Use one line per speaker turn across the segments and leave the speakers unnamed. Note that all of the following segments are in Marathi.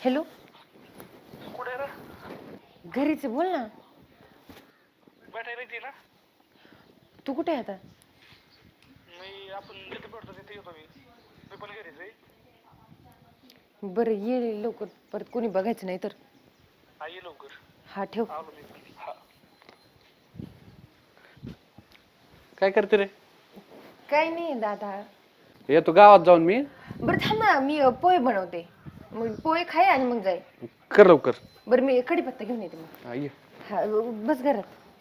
हॅलो,
कुठे रे?
घरीच आहे, बोल ना.
भेटायला येते ना?
तू कुठे आहे आता?
मी आपण जिथे भेटतो तिथे येतो मी पण घरीच आहे.
बरं ये लवकर, परत कोणी बघायचं नाही तर.
हा ये लवकर.
हा ठेव.
आलो मी पण. हा.
काय करते रे?
काय नाही दादा.
येतो गावात जाऊन मी.
बरं थांब ना, मी पोहे बनवते. मग पोहे खाय आणि मग जाय.
कर लवकर.
बरं मी कढीपत्ता घेऊन येते मग.
हा, ये.
हा बस घरात.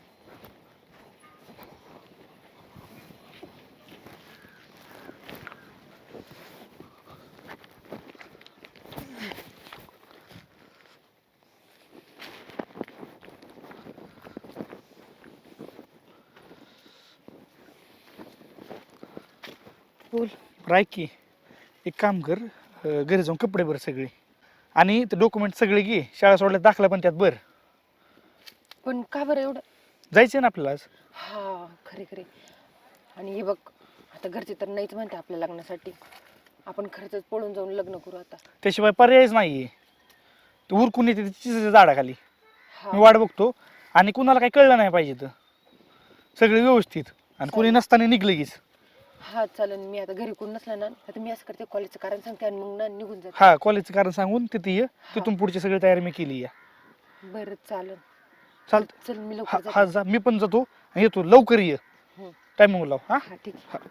बोल.
ऐक की, एक काम कर, घरी जाऊन कपडे भर सगळे आणि ते डॉक्युमेंट सगळे घे. शाळा सोडल्या दाखला पण त्यात भर.
पण का बरं एवढं?
जायचं ना आपल्याला आज.
हा खरे खरे. आणि हे बघ, आता घरचे तर नाहीच म्हणते आपल्या लग्नासाठी. आपण खरंच पळून जाऊन लग्न करू आता.
त्याशिवाय पर्यायच नाहीये. तू उरकून येते तिच्या झाडाखाली. मी वाट बघतो आणि कुणाला काही कळलं नाही पाहिजे तर सगळे व्यवस्थित आणि कोणी नसताना निघलं.
हा चालेल. मी आता घरी कोण नसला ना तर मी असं करते, कॉलेजचं कारण सांगते आणि मग ना निघून जाते.
हा, कॉलेजचं कारण सांगून तिथे ये. तिथून पुढची सगळी तयारी मी केली आहे.
बरं चालेल.
चालतं.
चल मी
हा
लवकर
हा
जाते.
जा, मी पण जातो आणि येतो. लवकर ये,
हं.
टायमिंग लाव. हा
हा ठीक आहे.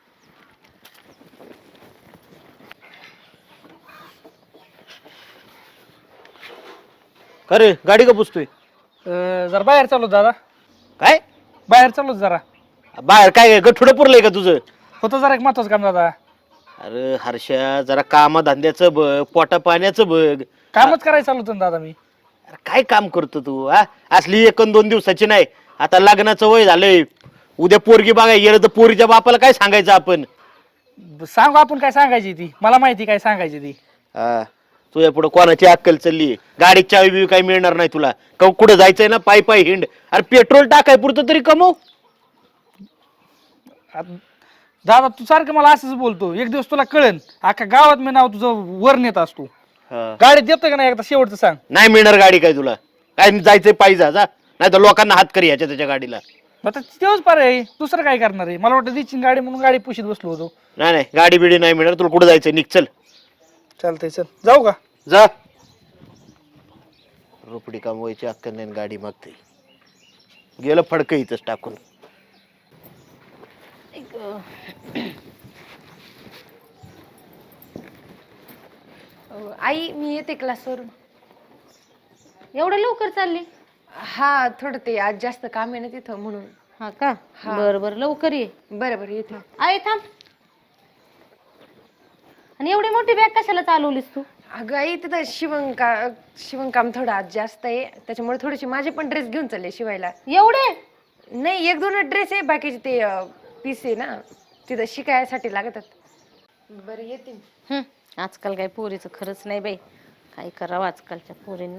अरे गाडी का पुसतोय?
जरा बाहेर चालू दादा.
काय
बाहेर चालू जरा.
बाहेर काय गठुडं पुरलंय का तुझं?
होतं जरा एक महत्वाचं काम दादा.
अरे हर्षा, जरा कामधंद्याचं बघ, पोटा पाण्याचं बघ.
कामच करायचं चालू होतं ना दादा मी.
अरे काय काम करतो तू? हा, असली 1-2 दिवसाची नाही. आता लग्नाचं वय झालंय. उद्या पोरगी बघाय गेलं तर पोरीच्या बापाला काय सांगायचं आपण?
सांगू आपण काय सांगायची ती, मला माहिती काय सांगायची ती.
हा, तुझ्या पुढे कोणाची अक्कल चालली? गाडीची चावी बिवी काही मिळणार नाही तुला. कुठं जायचंय ना, पायी पायी हिंड. अरे पेट्रोल टाकाय पुरतं तरी कमव.
दादा तू सारखं मला असंच बोलतो. एक दिवस तुला कळन, अख्खा गावात मी नाव तुझं वर नेत असतो. गाडीत देतोय का नाही एकदा शेवटचं सांग.
नाही मिळणार गाडी काय तुला? काय जायचंय पायी जा, नाही तर लोकांना हात करी याच्या त्याच्या गाडीला.
आता तेच पर्याय, दुसरं काय करणार आहे? मला वाटतं दिची गाडी म्हणून गाडी पुशीत बसलो होतो.
नाही नाही, गाडी बिडी नाही मिळणार तुला. कुठं जायचंय? निघ, चल.
चालतंय, चल जाऊ का?
जा. रोपडी कमवायची अक्कल नाही, गाडी मागते. गेलं फडकं इथंच टाकून.
आई मी येते क्लासवरून.
एवढं लवकर चालली?
हा थोडं ते आज जास्त काम आहे ना तिथं म्हणून.
हा का?
हा.
बरं बरं, लवकर ये.
बरं बरं येते.
आई थांब. आणि एवढी मोठी बॅग कशाला चालवलीस तू?
अगं आई तिथं शिवणकाम थोडं आज जास्त आहे, त्याच्यामुळे थोडेसे माझे पण ड्रेस घेऊन चालले शिवायला.
एवढे?
नाही, 1-2 ड्रेस आहे, बाकीचे ते पीस आहे ना तिथं शिकायसाठी लागतात. बरं येते.
आजकाल काय पोरीचं खरंच नाही बाई. काय करावं आजकालच्या पोरींना.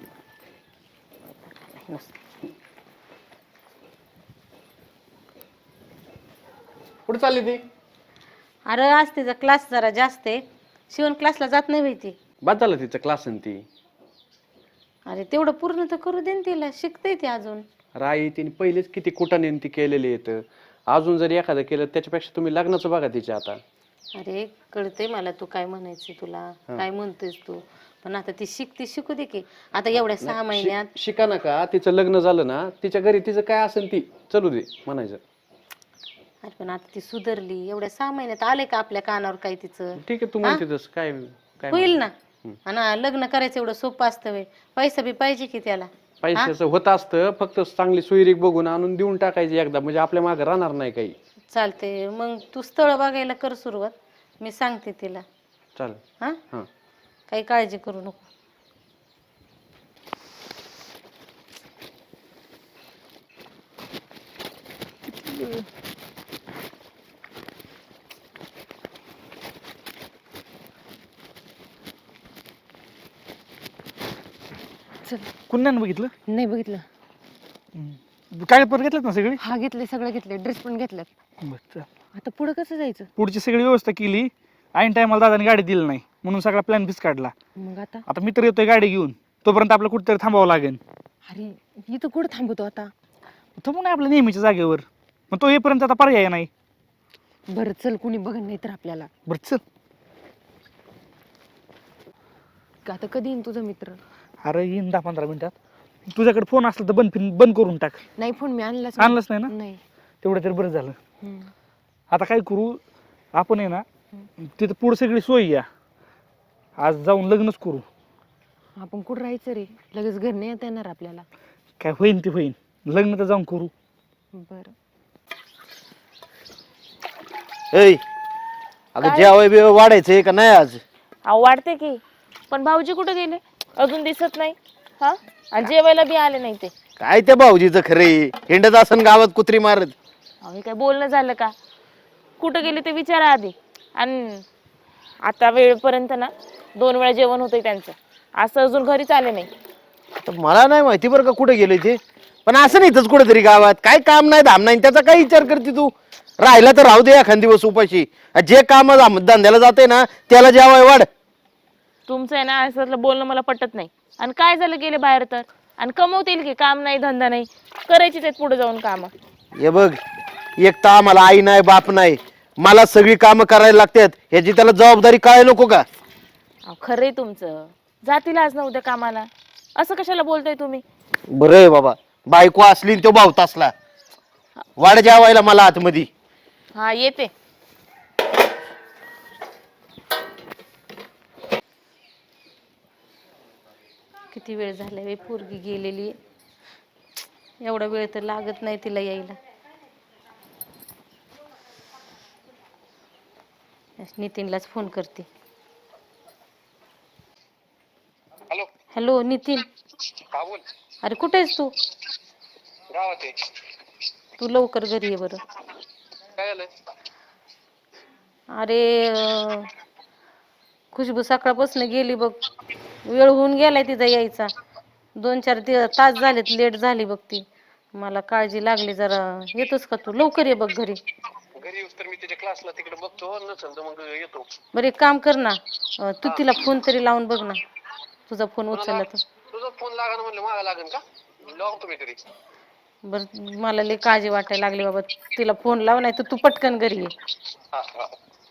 कुठं चालली ती?
अरे आज तिचा क्लास जरा जास्त आहे. शिवण क्लासला जात नाही बाई ती.
बाद झालं तिचं क्लास आणि ती.
अरे तेवढं पूर्ण तर करू दे ना तिला, शिकते ती अजून.
राई तिने पहिलेच किती कुटाने ती केलेली येतं. अजून जर एखादं केलं त्याच्यापेक्षा तुम्ही लग्नाचं बघा तिच्या आता.
अरे कळते मला तू काय म्हणायचं, तुला काय म्हणतेस तू. पण आता ती शिकू दे की. आता एवढ्या 6 महिन्यात.
शिका नका, तिचं लग्न झालं ना, तिच्या घरी तिचं काय असेल ती चलू दे म्हणायचं.
अरे पण आता ती सुधारली. एवढ्या 6 महिन्यात आले का आपल्या कानावर काय तिचं?
ठीक आहे, तू म्हणते तसं काय काय
होईल ना. आणि लग्न करायचं एवढं सोपं असतं व्हय? पैसा बी पाहिजे की त्याला.
पैशाचं होत असतं, फक्त चांगली सोयरीक बघून आणून देऊन टाकायची एकदा, म्हणजे आपल्या मागे राहणार नाही काही.
चालते मग तू स्थळ बघायला कर सुरुवात. मी सांगते तिला.
चालेल.
हा,
हां.
काही काळजी करू नको.
चल.
कुणाने बघितलं?
नाही बघितलं.
कागदपत्र घेतलेत ना सगळी?
हा घेतले, सगळं घेतले, ड्रेस पण घेतलेत.
बरं, चल.
आता पुढे कसं जायचं?
पुढची सगळी व्यवस्था केली. ऐन टायमाला दादाने गाडी दिली नाही. म्हणून सगळा प्लॅन फिक्स काढला.
मग आता
आता मित्र येतोय गाडी घेऊन, तोपर्यंत आपलं कुठेतरी थांबावं लागेल.
अरे इथं कुठं थांबतो आता?
थांबू नाही आपल्या नेहमीच्या जागेवर, पण तो येईपर्यंत आता पर्याय नाही.
बरं चल, कुणी बघ नाही तर आपल्याला.
बरं चल.
आता कधी येईन तुझा मित्र?
अरे येईन 10-15 मिनिटात. तुझ्याकडे फोन असला तर बंद करून टाक.
नाही फोन मी आणलाच
आणलंच नाही ना?
नाही.
तेवढं तरी बरं झालं.
हम्म.
आता काय करू आपण आहे ना, तिथं पुढे सगळी सोय या, आज जाऊन लग्नच करू.
आपण कुठं राहायचं रे? लगेच घर नाही येता येणार आपल्याला.
काय होईन ते होईन, लग्न तर जाऊन करू.
बरं
ऐ अगं जेवाय बिवाय वाढायचंय का नाही आज?
अहो वाढते की, पण भाऊजी कुठे गेले? अजून दिसत नाही. हा, आणि जेवायला बी आले नाही ते.
काय त्या भाऊजीचं खरे, हिंडत असन गावात कुत्री मारत.
अहो हे काय बोलणं झालं का? कुठं गेले ते विचारा आधी. आणि आता वेळपर्यंत ना 2 वेळा जेवण होतंय त्यांचं, असं अजून घरीच आले नाही.
तर मला नाही माहिती बरं का कुठे गेले ते, पण असं नाही इथंच कुठेतरी गावात. काय काम नाही धाम नाही, त्याचा काय विचार करते तू? राहिला तर राहू दे एखाद दिवस उपाशी. जे काम धंद्याला जाते ना त्याला जेवाय वाढ.
तुमचं आहे ना असं बोलणं मला पटत नाही. आणि काय झालं गेले बाहेर तर, आणि कमवतील की, काम नाही धंदा नाही, करायचीच आहेत पुढे जाऊन कामं.
हे बघ, एक तर आम्हाला आई नाही बाप नाही, मला सगळी कामं करायला लागतात, ह्याची त्याला जबाबदारी काय नको का?
अहो खरंय तुमचं, जातील आज ना उद्या कामाला. असं कशाला बोलताय तुम्ही?
बरं आहे बाबा, बायको असली तो भावत असला. वाढ जेवायला मला आतमध्ये.
हा येते.
किती वेळ झाला बाई, पोरगी गेलेली. एवढा वेळ तर लागत नाही तिला यायला. नितीनलाच फोन करते. हॅलो नितीन. अरे कुठे आहेस तू? तू लवकर घरी ये बरं. अरे खुशबू सकाळपासून गेली बघ, वेळ होऊन गेलाय तिचा यायचा. 2-4 तास झालेत, लेट झाली बघ ती. मला काळजी लागली जरा. येतोस का तू? लवकर ये बघ घरी.
तर मी त्याच्या क्लासला तिकडे बघतो, नसेल तर मग येतो.
बरं एक काम कर ना, तू तिला फोन तरी लावून बघ ना. तुझा फोन उचलला तर.
तुझा फोन लागण म्हणलं मागा लागन का? लावतो मी तरी.
बरं मला लई काळजी वाटायला लागली बाबा. तिला फोन लाव, नाही तर तू पटकन घरी ये.
हा हा.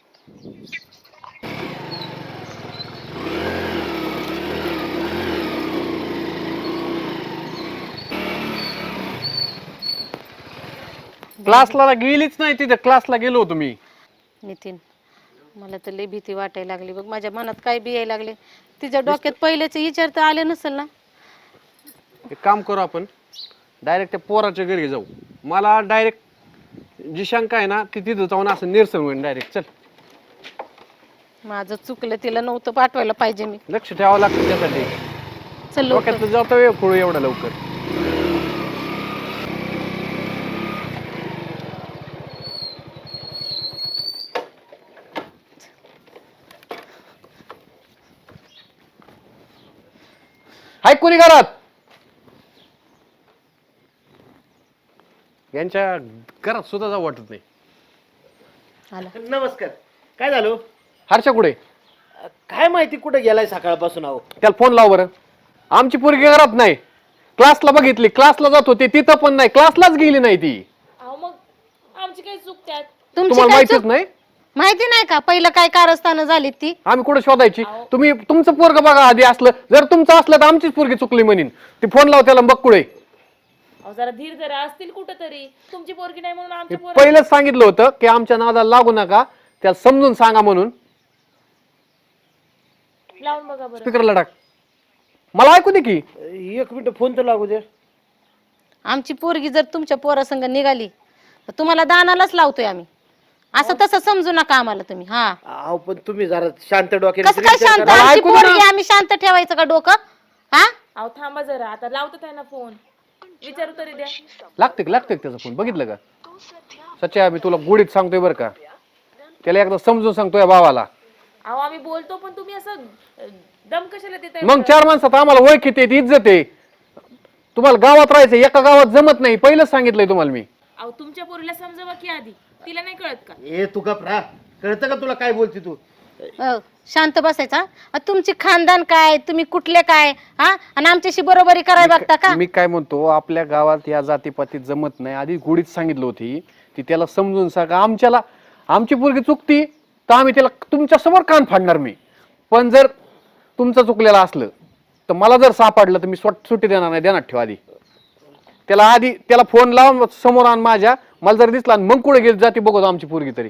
क्लासला गेलीच नाही, तिथे क्लासला गेलो होतो मी.
नितीन मला तर लई भीती वाटायला लागली बघ. माझ्या मनात काय बी यायला लागले. तिच्या डोक्यात पहिल्याचे विचार तर आले नसेल ना?
एक काम करू आपण, डायरेक्ट त्या पोराच्या घरी जाऊ. मला डायरेक्ट जी शंका आहे ना ती तिथं जाऊन असं निरसन होईल डायरेक्ट. चल.
माझं चुकलं, तिला नव्हतं पाठवायला पाहिजे मी.
लक्ष ठेवावं लागतं त्यासाठी.
चल लवकर.
डोक्यात जातो वेळ पुढे एवढा लवकर. हाय कोणी घरात? यांच्या घरात सुद्धा जाऊ वाटत नाही.
आला.
नमस्कार. काय झालं?
हर्षा कुठे?
काय माहिती कुठे गेलाय सकाळपासून. अहो
त्याला फोन लाव बरं. आमची पोरगी घरात नाही. क्लासला बघितली, क्लासला जात होते, तिथं पण नाही, क्लासलाच गेली नाही ती.
अहो मग आमची काही चूक त्यात?
तुमची
तुम्हाला
काय
माहितीच
चूक?
नाही?
माहिती नाही का पहिलं काय कारस्थानं झाली ती?
आम्ही कुठे शोधायची? तुम्ही तुमचं पोरग बघा आधी. असलं जर तुमचं असलं तर आमचीच पोरगी चुकली म्हणीन. ती फोन लाव त्याला बघ कुठे.
अहो जरा धीर धरा, असतील कुठं तरी. तुमची पोरगी नाही म्हणून आमच्या पोर.
पहिलेच सांगितलं होतं की आमच्या नादाला लागू नका, त्याला समजून सांगा म्हणून.
लावून बघा बरं.
स्पीकरला टाक. मला ऐकू दे की.
1 मिनिट फोन तर लागू दे.
आमची पोरगी जर तुमच्या पोरासंग निघाली तर तुम्हाला दानालाच लावतोय आम्ही. असं तसं समजू नका आम्हाला तुम्ही. हा
अहो पण तुम्ही जरा शांत डोक्याने
कसं काय शांत?
मला
आमची
ऐकू दे ना.
पोरगी आम्ही शांत ठेवायचं का डोकं? हा
अहो थांबा जरा, आता लावतो त्यांना फोन, विचारू तरी द्या.
लागते त्याचा फोन. बघितलं का सच्चा? मी तुला गोडीत सांगतोय बरं का, त्याला एकदा समजून सांगतोय भावाला.
अहो आम्ही बोलतो, पण तुम्ही असं दम कशाला देताय?
मग 4 माणसात आम्हाला ओळखीत येते, इज्जत आहे. तुम्हाला गावात राहायचं, एका गावात जमत नाही. पहिलंच सांगितलंय तुम्हाला मी.
अहो तुमच्या पोरीला समजावा की आधी, तिला नाही कळत का?
ए तू गप राहा. कळतं का तुला काय बोलते तू?
शांत बसायचा. तुमची खानदान काय, तुम्ही कुठले काय, हा, आणि आमच्याशी बरोबरी करायला बघता का?
मी काय म्हणतो, आपल्या गावात या जातीपातीत जमत नाही. आधी गोडीत सांगितलं होती ती, त्याला समजून सांगा. आमची पोरगी चुकती तर आम्ही त्याला तुमच्या समोर कान फाडणार मी. पण जर तुमचं चुकलेलं असलं तर मला जर सापडलं तर मी सुट्टी देणार नाही. देणार ठेवा आधी त्याला फोन लावून समोर आण माझ्या. मला जर दिसला मग कुठे गेली जाती बघतो आमची पोरगी तरी.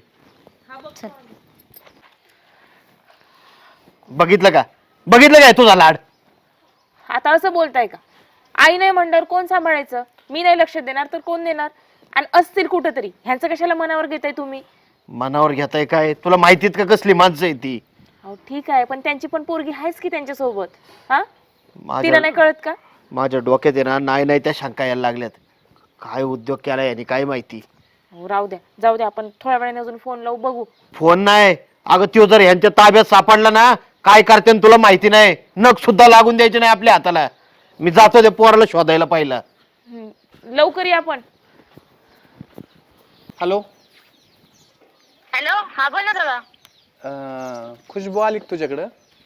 बघितलं काय तुझा लाड?
आता असं बोलताय का? आई नाही म्हणल्यावर कोण सांभाळायचं? मी नाही लक्ष देणार तर कोण देणार? आणि असतील कुठंतरी, ह्यांचं कशाला मनावर घेताय तुम्ही?
मनावर घेताय काय? तुला माहितीत का कसली माणसं आहे ती?
अहो ठीक आहे, पण त्यांची पण पोरगी आहेच की त्यांच्या सोबत. हा, तिला
माझ्या
नाही कळत का?
माझ्या डोक्यात आहे ना नाही त्या शंका यायला लागल्यात. काय उद्योग केला याने काय माहिती.
हो, राहू द्या, जाऊ द्या, आपण थोड्या वेळाने अजून फोन लावू, बघू.
फोन नाही अगं, त्यो जर ह्यांच्या ताब्यात सापडला ना काय करते तुला माहिती नाही. नख सुद्धा लागून द्यायचे नाही आपल्या हाताला. मी जातो ते पोराला शोधायला पाहिलं.
लवकर या आपण.
हॅलो,
हॅलो, हा बोल ना दादा.
खुशबू आली का तुझ्याकडं?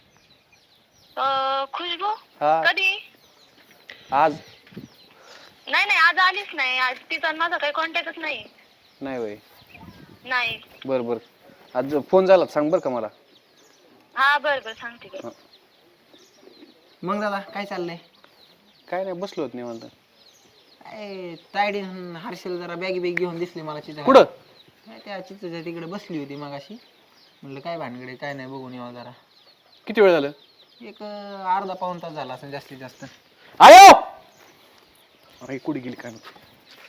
खुशबू
हा,
कधी?
आज
नाही आज आलीच नाही. आज तिचा आणि माझा काही कॉन्टॅक्टच नाही.
नाही वय.
नाही.
बर आज फोन झाला सांग बर का मला.
हा बरं सांगते की.
मग दादा काय चाललंय?
काय नाही, बसलो होत निवांत.
काय तायडी हर्षल जरा बॅगी घेऊन दिसली मला चित्र.
कुठं?
त्या चित्रच्या तिकडे बसली होती मगाशी. म्हणलं काय भानगडे काय नाही बघून यावं जरा.
किती वेळ झालं?
एक अर्धा पाऊण तास झाला असं जास्तीत जास्त.
आयो, अरे कुठे गेली काय माहिती.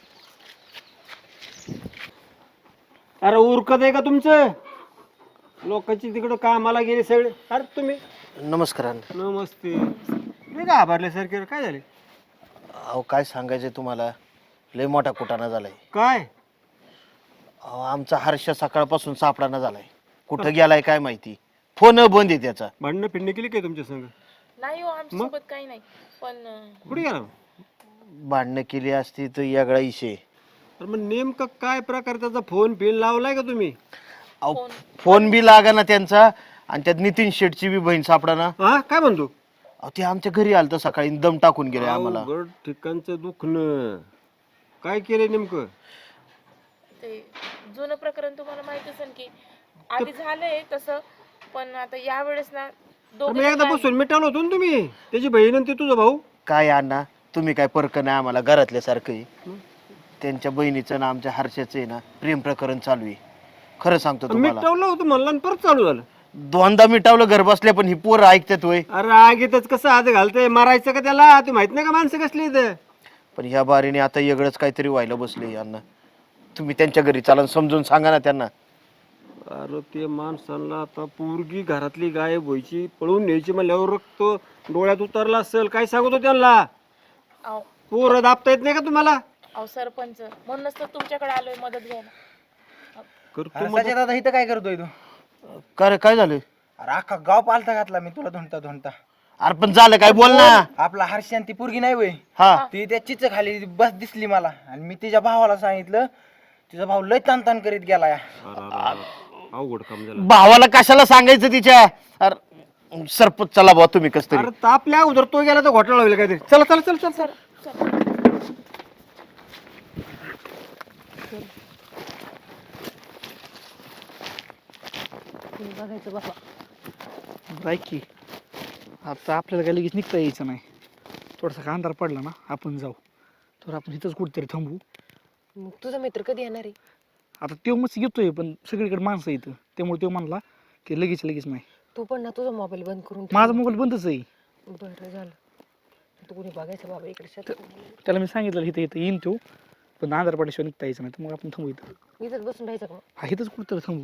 अरे उरकत आहे का तुमचं? लोकांची तिकडं कामाला गेले सगळे. अरे तुम्ही
नमस्कार अण्णा.
नमस्ते. मी का आभारल्यासारखे काय झाले?
अहो काय सांगायचं तुम्हाला, लय मोठा कुटाणा झालाय.
काय?
अहो आमचा हर्ष सकाळपासून सापडाना झालाय. कुठं गेलाय काय माहिती. फोन बंद आहे त्याचा.
भांडणं फिरणं केली काय तुमच्या संग?
नाही हो, आमच्या सोबत काही नाही. पण
कुठे गेला?
भांडणं केली असती तर यागळा इशे.
तर मग नेमकं काय प्रकार त्याचा फोन पिन लावलाय का तुम्ही?
अहो फोन बी लागा ना त्यांचा. आणि त्यात नितीन शेटची बी बहीण सापडाना.
हा काय म्हणतो?
अहो ते आमच्या घरी आलं तर सकाळी दम टाकून गेले आम्हाला.
अवघड ठिकाणचं दुखणं. काय केलंय नेमकं?
ते जुनं प्रकरण तुम्हाला माहित असेल की आधी झालंय तसं, पण आता या वेळेस ना
तर मग एकदा बसून मिटावलं होतो ना तुम्ही. त्याची बहीण आणि ते तुझा भाऊ.
काय अण्णा तुम्ही काय परक नाही आम्हाला घरातल्यासारखं आहे. त्यांच्या बहिणीचं ना आमच्या हर्षाचं आहे ना प्रेम प्रकरण चालू आहे. खरं सांगतो तुम्हाला.
मिटावलं होतं म्हणलं आणि परत चालू झालं.
दोनदा मिटावलं घर बसल्या पण ही पोरं ऐकतात होय.
अरे आगीतच कसं हात घालतंय, मारायचं का त्याला? ते माहित नाही का माणसं कसली इथं?
पण ह्या बारीने आता वेगळंच काहीतरी व्हायला बसले यांना. तुम्ही त्यांच्या घरी चालन समजून सांगा ना त्यांना.
अरे ते माणसांना आता पोरगी घरातली गायब व्हायची, पळून न्यायची म्हणल्यावर रक्त डोळ्यात उतरला असेल. काय सांगतो त्यांना?
अहो
पोरं दाबता येत नाही का तुम्हाला?
सरपंच म्हणूनच तर तुमच्याकडे आलोय मदत घ्यायला.
करतो मग.
दादा इथं काय करतोय तू?
काय रे, काय झालं?
अरे अख्खा गाव पालथा घातला मी तुला धुंडता.
अरे पण झालं काय, बोल ना.
आपला हर्षन ती पोरगी नाही वय,
हा
ती त्या चिच खाली बस दिसली मला. आणि मी तिच्या भावाला सांगितलं. तिचा भाऊ लय ताण करीत गेला.
अवघड काम झालं.
भावाला कशाला सांगायचं तिच्या? अरे सरपंच चला भाऊ तुम्ही कस तरी.
अरे तापल्या अगोदर तो गेला तर घोटाळा होईल काहीतरी. चला चला चल चल चल.
बघायचं बाबा.
ऐक की, आता आपल्याला काय लगेच निघता यायचं नाही. थोडासा अंधार पडला ना आपण जाऊ. तर आपण इथंच कुठेतरी थांबू.
मग तुझा मित्र कधी येणार आहे?
आता तो मस्त येतोय पण सगळीकडे माणसं येतं. त्यामुळे तो म्हणला की लगेच नाही.
तू पण ना तुझा मोबाईल बंद करून ठेव.
माझा मोबाईल बंदच आहे.
बरं झालं. तू कोणी बघायचं बाबा इकडे शेतात.
त्याला मी सांगितलं इथं येईन तो, पण अंधार पडल्याशिवाय निघता यायचं नाही. तर मग आपण थांबू इथं.
इथंच बसून राहायचं का?
हा इथंच कुठेतरी थांबू.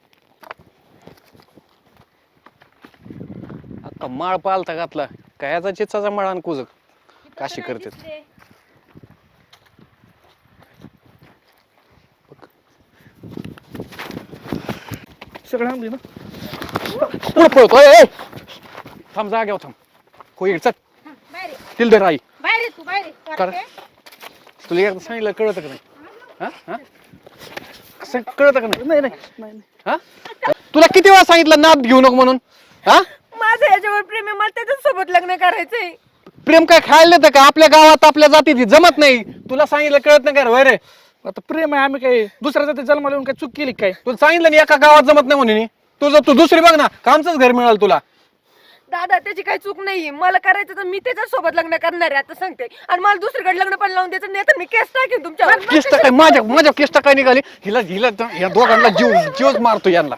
अख्खा माळ पालता घातला. कायाचा चिचाचा माळ आणि कुजक काशी करते.
सगळं थांबली ना.
पुढे पळतोय. थांब, जाग्यावर थांब. होईल चल. तिल धर आई. कर. तुला एकदा सांगितलं कळतं का नाही? हा कळतं का नाही?
नाही
हा तुला किती वेळा सांगितलं नाद घेऊ नको म्हणून? हा
माझं याच्यावर प्रेम आहे, मला त्याच्याच सोबत लग्न करायचंय.
प्रेम काय खायला देतं का? आपल्या गावात आपल्या जातीत जमत नाही. तुला सांगितलं कळत नाही का रे?
आता प्रेम आहे, आम्ही काय दुसऱ्या जाती जन्माला येऊन काय चूक केली काय?
तुला सांगितलं ना एका गावात जमत नाही म्हणून. तू दुसरी बघ ना, कामचंच घर मिळालं तुला.
दादा त्याची काही चूक नाहीये, मला करायचं तर मी त्याच्या सोबत लग्न करणार आहे आता सांगते. आणि मला दुसरीकडे लग्न पण लावून द्यायचं नाही तर मी केस टाकेन तुमच्यावर.
किस्त काय माझ्या किस्त काय निघाली? हिला या दोघांना जीवच मारतो यांना.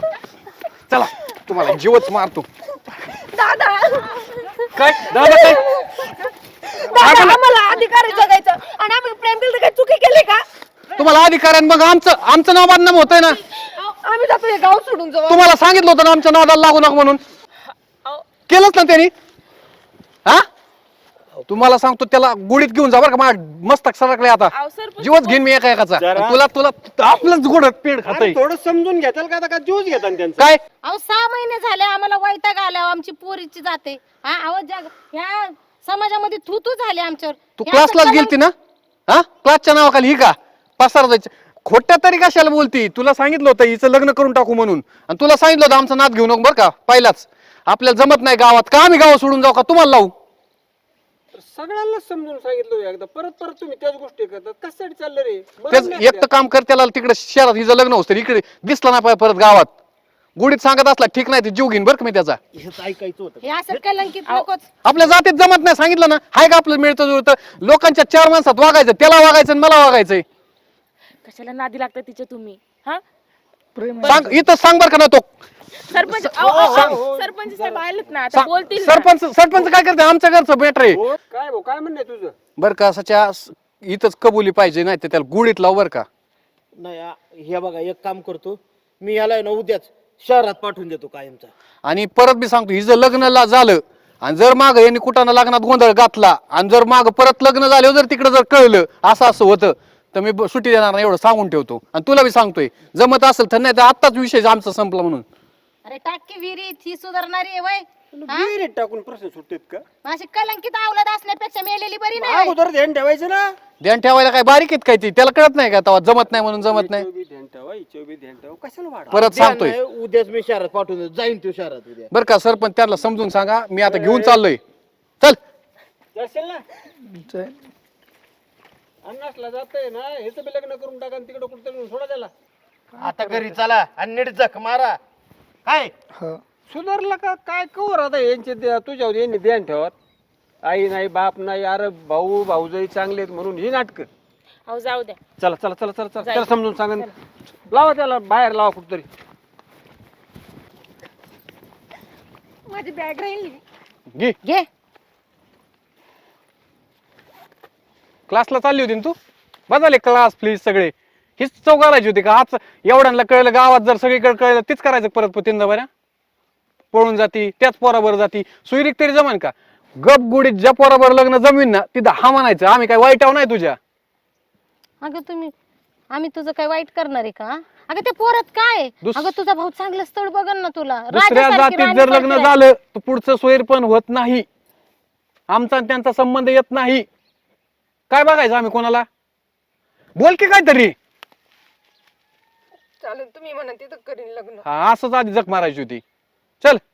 चला तुम्हाला जीवच मारतो.
दादा
काय दादा काय?
दादा आम्हाला अधिकार आहे जगायचं आणि आम्ही प्रेम केलं तर काही चुकी केली का?
तुम्हाला अधिकार आहे, मग आमचं नाव बदनाम होतंय ना.
आम्ही जातो हे गाव सोडून जाऊ.
तुम्हाला सांगितलं होतं ना आमच्या नादाला लागू नका म्हणून. केलंच ना त्यांनी. हा तुम्हाला सांगतो त्याला गुडीत घेऊन जा बरं का. मस्तक सरकले आता.
अहो, सरपंच
जीवच घेईन मी एकाचा.
जरा.
तुला आपलंच गोड पेड खातय
थोडं समजून घेताल का? आता का ज्यूस घेता त्यांचं?
काय?
अहो 6 महिने झाले आम्हाला वैताग आला आमची पोरीची जाते. हा आवाज ह्या समाजामध्ये थू झाले आमच्यावर.
तू
हे
क्लासलाच
असं
गेलती ना? हा क्लासच्या नावाखाली ही का पसार जायचं? खोट्या तरी कशाला बोलती? तुला सांगितलं होतं हिचं लग्न करून टाकू म्हणून. आणि तुला सांगितलं होतं आमचा नाद घेऊ नको बरं का. पहिलाच आपल्याला जमत नाही गावात. का आम्ही गाव सोडून जाऊ का? तुम्हाला लावू?
सगळ्यांना समजून सांगितलं एकदा, परत तुम्ही त्याच गोष्टी करतात. कशासाठी चाललं रे?
तेच एक तर काम कर, त्याला तिकडे शहरात हिचं लग्न होतं इकडे दिसला नाही पाहिजे परत गावात. गुडीत सांगत असला ठीक नाही ते जीव घेईन बरं का मी त्याचा.
हेच ऐकायचं होतं.
हे असं कलंकित नकोच.
आपल्या जातीत जमत नाही सांगितलं ना. हाय का आपलं मिळतं जुळतं? लोकांच्या 4 माणसात वागायचं, त्याला वागायचं आणि मला वागायचंय.
कशाला नादी लागतं तिच्या तुम्ही? हा
सांग इथं सांग बरं का ना तो
सरपंच सरपंच साहेब आलेत ना आता बोलतील ना.
सरपंच काय करते? आमच्या घरचं बेटर आहे
हो, काय भाऊ काय म्हणणं आहे तुझं?
बरं का. सच्या इथंच कबुली पाहिजे, नाही तर त्याला गुडीत लाव बरं का.
नाही हे बघा एक काम करतो मी, याला आहे ना उद्याच शहरात पाठवून देतो कायमचा.
आणि परत मी सांगतो हिचं लग्न झालं आणि जर माग यांनी कुठं लग्नात गोंधळ घातला आणि जर माग परत लग्न झालं जर तिकडे जर कळलं असं होतं तर मी सुट्टी देणार नाही एवढं सांगून ठेवतो. आणि तुला बी सांगतोय जमत असेल तर, नाही तर आत्ताच विषय आमचा संपला म्हणून.
अरे टाकी विहिरीत ही सुधारणारी आहे वय.
विहिरीत टाकून प्रश्न सुटतेत का?
अशी कलंकित अवलाद असण्यापेक्षा मेलेली बरी नाही.
अगोदर ध्यान ठेवायचं ना.
ध्यान ठेवायला काय बारीक आहेत काय ती? त्याला कळत नाही का तेव्हा जमत नाही म्हणून जमत नाही?
हिचं बी ध्यान ठेवा, हिचं बी ध्यान ठेवा. कशाला वाढ?
परत सांगतोय
नाही, उद्याच मी शहरात पाठवून देतो. जाईन तो शहरात उद्या.
बरं का. सरपंच त्याला समजून सांगा मी आता घेऊन चाललोय. चल
जाशील ना? अन्नासला जातंय ना, हेच बी लग्न करून टाका आणि तिकडे कुठं सोडा त्याला.
आता घरी चला आणि नीट जख मारा. काय
सुधारला का काय कवर आता यांचे तुझ्यावर यांनी ध्यान ठेवत. आई नाही बाप नाही, अरे भाऊ भाऊजाई चांगले आहेत म्हणून ही नाटक.
अहो जाऊ द्या.
चला चला चला चला चला त्याला समजून सांगा. लावा त्याला बाहेर लावा कुठतरी.
माझी बॅग राहिली.
घे.
घे.
क्लासला चालली होती ना तू? बदलले क्लास प्लीज सगळे. हीच चौक करायची होती का? आज एवढ्यांना कळलं गावात जर सगळीकडे कळलं तीच करायचं परत तीनदा बऱ्या पळून जाती त्याच पोराबर जाती. सुईरीक तरी जमान का? गप गुडीत ज्या पोराबर लग्न जमीन ना तिथं हा म्हणायचं आम्ही काय वाईट आहो नाही तुझ्या.
अगं आम्ही तुझं काय वाईट करणार आहे का? अगं ते पोरात काय? अगं तुझा भाऊ चांगलं स्थळ बघन ना तुला.
दुसऱ्या
राजासारखी
जातीत
राणी
जर लग्न
पाहिजे.
झालं तर पुढचं सोयर पण होत नाही. आमचा आणि त्यांचा संबंध येत नाही. काय बघायचं आम्ही कोणाला? बोल की काहीतरी.
चालेल तुम्ही म्हणा तिथं करीन लग्न.
हा असंच आधी जग मारायची होती. चल